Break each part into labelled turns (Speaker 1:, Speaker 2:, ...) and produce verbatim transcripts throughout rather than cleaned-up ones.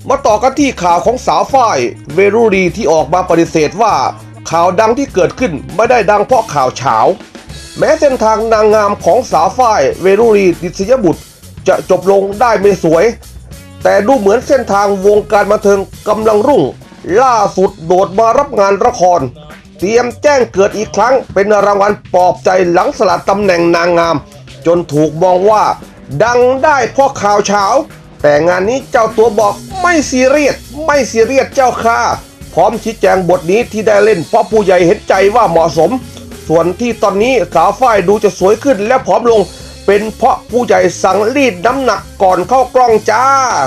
Speaker 1: มาต่อกันที่ข่าวของสาวฝ้ายเวรุรีที่ออกมาปฏิเสธว่าข่าวดังที่เกิดขึ้นไม่ได้ดังเพราะข่าวเฉาแม้เส้นทางนางงามของสาวฝ้ายเวรุรีดิษยบุตรจะจบลงได้ไม่สวยแต่ดูเหมือนเส้นทางวงการบันเทิงกำลังรุ่งล่าสุดโดดมารับงานละครเตรียมแจ้งเกิดอีกครั้งเป็นรางวัลปลอบใจหลังสละตำแหน่งนางงามจนถูกมองว่าดังได้เพราะข่าวเฉาแต่งานนี้เจ้าตัวบอกไม่ซีเรียสไม่ซีเรียสเจ้าค่ะพร้อมชี้แจงบทนี้ที่ได้เล่นเพราะผู้ใหญ่เห็นใจว่าเหมาะสมส่วนที่ตอนนี้สาวฝ้ายดูจะสวยขึ้นและผอมลงเป็นเพราะผู้ใหญ่สั่งรีดน้ำหนักก่อนเข้ากล้องจ้า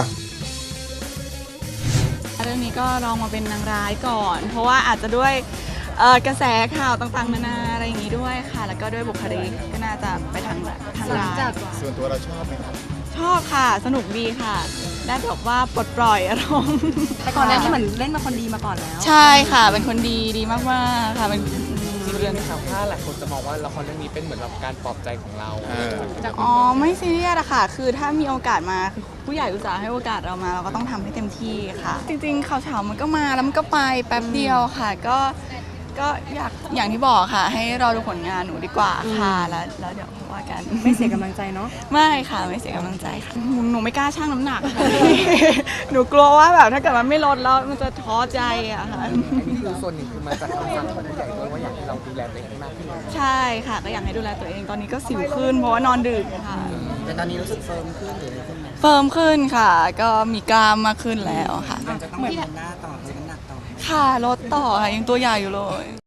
Speaker 2: เรื่องนี้ก็ลองมาเป็นนางร้ายก่อน เพราะว่าอาจจะด้วยกระแสข่าวต่างๆนานาอะไรอย่างนี้ด้วยค่ะแล้วก็ด้วยบุคลิกก็น่าจะไปทางทางร้าย
Speaker 3: ส่วนตัวเราชอบไหมครับ
Speaker 2: ชอบค่ะสนุกดีค่ะได้แบบว่าปลดปล่อยอารมณ์
Speaker 4: แต่ก่อนหน้านี้เหมือนเล่นมาคนดีมาก่อนแล้ว
Speaker 2: ใช่ค่ะเป็นคนดีดีมากๆค่ะเป็น
Speaker 5: ซีเรียสนะครับถ้าหลายคนจะมองว่าละครเรื่องนี้เป็นเหมือนแบบการปลอบใจของเรา
Speaker 2: อ๋อไม่ซีเรียสอะค่ะคือถ้ามีโอกาสมาคือผู้ใหญ่อุตส่าห์ให้โอกาสเรามาเราก็ต้องทำให้เต็มที่ค่ะจริงๆข่าวเช้ามันก็มาแล้วมันก็ไปแป๊บเดียวค่ะก็ก็อยากอย่างที่บอกค่ะให้รอดูผลงานหนูดีกว่าค่ะแล้วแล้วเดี๋ยวว่ากัน
Speaker 4: ไม่เสียกำลังใจเนาะ
Speaker 2: ไม่ค่ะไม่เสียกำลังใจค่ะหนูไม่กล้าชั่งน้ำหนักค่ะหนูกลัวว่าแบบถ้าเกิดมันไม่ลดแล้วมันจะท้อใจอะค่ะ
Speaker 5: อันนี้คือส่วนหนึ่งคือมาจากคำสั่งของผู้ใหญ่ด้วยว่าอยากให้เราดูแลตัวเองให้มากขึ้น
Speaker 2: ใช่ค่ะก็อยากให้ดูแลตัวเองตอนนี้ก็สิวขึ้นเพราะว่านอนดึกค่ะ
Speaker 5: แต่ตอนนี้รู้สึกเฟิร์มขึ้นหรืออะไรขึ้นไหม
Speaker 2: เฟิร์มขึ้นค่ะก็มีกล้ามมากขึ้นแล้วค่ะ
Speaker 5: จะต้องมีหน้าต่อลดน้ำหนักต่อ
Speaker 2: ค่ะลดต่อค่ะยังตัวใหญ่อยู่เลย